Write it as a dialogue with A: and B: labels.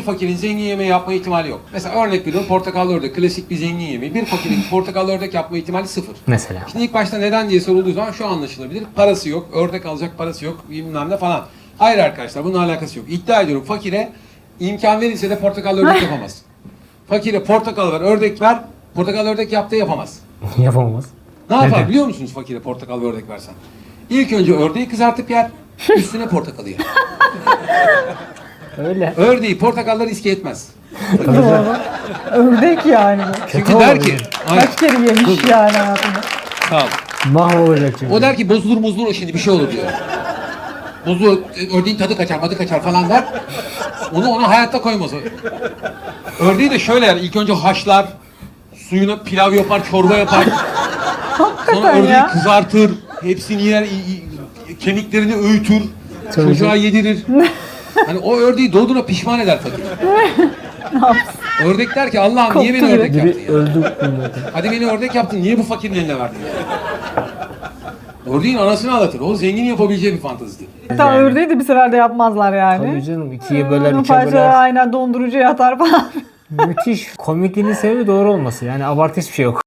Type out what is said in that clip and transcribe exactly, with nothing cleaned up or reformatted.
A: fakirin zengin yemeği yapma ihtimali yok. Mesela örnek veriyorum, portakallı ördek klasik bir zengin yemeği. Bir fakirin portakallı ördek yapma ihtimali sıfır.
B: Mesela.
A: Şimdi ilk başta neden diye sorulduğu zaman şu anlaşılabilir. Parası yok, ördek alacak parası yok, bilmem ne falan. Hayır arkadaşlar, bununla alakası yok. İddia ediyorum, fakire imkan verilse de portakallı ördek yapamaz. Fakire portakal ver, ördek ver, portakal ördek yaptığı yapamaz.
B: Yapamaz.
A: Ne yapar
B: Neden?
A: biliyor musunuz fakire portakal ve ördek versen? İlk önce ördeği kızartıp yer, üstüne portakalı yer.
B: Öyle.
A: Ördeği portakalları riske etmez.
C: Doğru. Ördek yani. bu.
A: Çünkü
B: Kötü
A: der
B: olur
A: ki,
B: yani.
A: Aynen.
C: Kaç kere yemiş yani hayatında.
A: Sağ ol.
B: Mahvolacak çünkü.
A: O der ki bozulur muzulur o şimdi bir şey olur diyor. Bozulur, ördeğin tadı kaçar, madı kaçar falan der. Onu ona hayatta koymaz. Ördeği de şöyle yer, ilk önce haşlar, suyuna pilav yapar, çorba yapar. Sonra
C: Hakikaten
A: ördeği
C: ya.
A: kızartır, hepsini yer, i- i- kemiklerini öğütür,
B: Tabii
A: çocuğa
B: canım.
A: yedirir. Hani o ördeği doğduğuna pişman eder fakir. Ördek der ki Allah'ım niye beni
C: Koptu
A: ördek
B: Biri
A: yaptın ya?
B: öldü bunlardan.
A: Hadi beni ördek yaptın, niye bu fakirin eline verdin ya? Ördeğin anasını ağlatır, o zengin yapabileceği bir fantezidir.
C: Hatta
B: Yani.
C: ördeği de bir seferde yapmazlar yani.
B: Tabii canım, ikiye böler,
C: Onun
B: üçe
C: parçaları
B: böler.
C: aynen dondurucuya atar falan.
B: Müthiş. Komikliğinin sebebi doğru olması. Yani abartı hiçbir şey yok.